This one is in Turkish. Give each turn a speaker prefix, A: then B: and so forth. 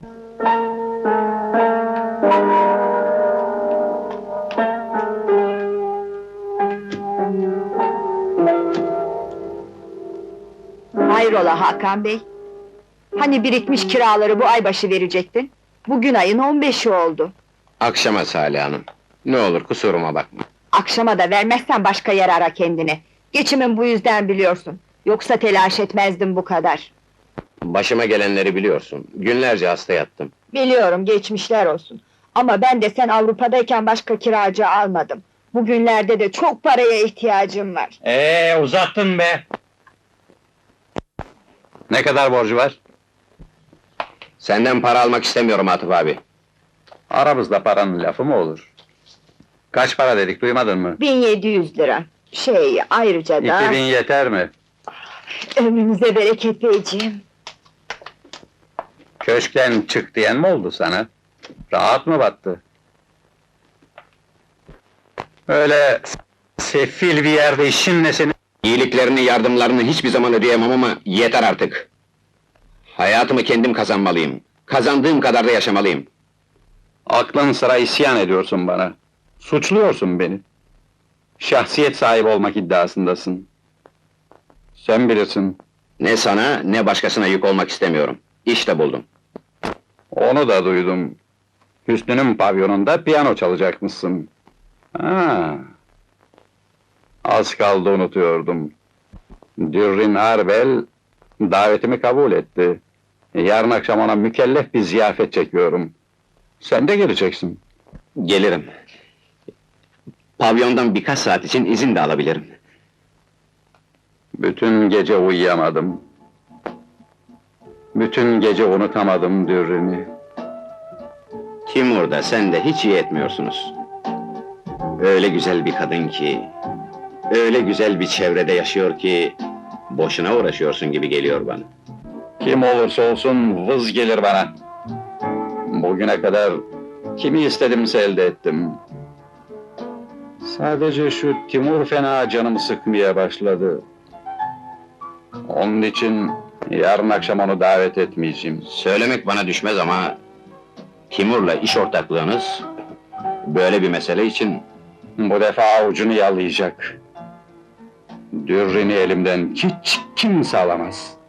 A: Hayrola Hakan Bey? Hani birikmiş kiraları bu ay başı verecektin? Bugün ayın 15'i oldu.
B: Akşama Salih Hanım. Ne olur kusuruma bakma.
A: Akşama da vermezsen başka yer ara kendine. Geçimin bu yüzden biliyorsun. Yoksa telaş etmezdim bu kadar.
B: Başıma gelenleri biliyorsun. Günlerce hasta yattım.
A: Biliyorum, geçmişler olsun. Ama ben de sen Avrupa'dayken başka kiracı almadım. Bugünlerde de çok paraya ihtiyacım var.
C: Uzattın be! Ne kadar borcu var?
B: Senden para almak istemiyorum Atıf abi.
C: Aramızda paranın lafı mı olur? Kaç para dedik, duymadın mı?
A: 1700 lira. Ayrıca da...
C: 2000 yeter mi?
A: Ömrünüze bereket beyciğim.
C: Köşkten çık diyen mi oldu sana? Rahat mı battı? Öyle sefil bir yerde işin ne senin?
B: İyiliklerini, yardımlarını hiçbir zaman ödeyemem ama yeter artık. Hayatımı kendim kazanmalıyım. Kazandığım kadar da yaşamalıyım.
C: Aklın sıra isyan ediyorsun bana. Suçluyorsun beni. Şahsiyet sahibi olmak iddiasındasın. Sen bilirsin.
B: Ne sana, ne başkasına yük olmak istemiyorum. İşte buldum.
C: Onu da duydum. Hüsnü'nün pavyonunda piyano çalacakmışsın. Ha. Az kaldı unutuyordum. Dürrin Arbel davetimi kabul etti. Yarın akşam ona mükellef bir ziyafet çekiyorum. Sen de geleceksin.
B: Gelirim. Pavyondan birkaç saat için izin de alabilirim.
C: Bütün gece uyuyamadım. Bütün gece unutamadım Dürrin'i.
B: Timur'da sen de hiç iyi etmiyorsunuz. Öyle güzel bir kadın ki... Öyle güzel bir çevrede yaşıyor ki... Boşuna uğraşıyorsun gibi geliyor bana.
C: Kim olursa olsun vız gelir bana. Bugüne kadar kimi istedimse elde ettim. Sadece şu Timur fena canımı sıkmaya başladı. Onun için yarın akşam onu davet etmeyeceğim.
B: Söylemek bana düşmez ama... Timur'la iş ortaklığınız... Böyle bir mesele için...
C: Bu defa avucunu yalayacak. Dürrini elimden hiç kimse alamaz.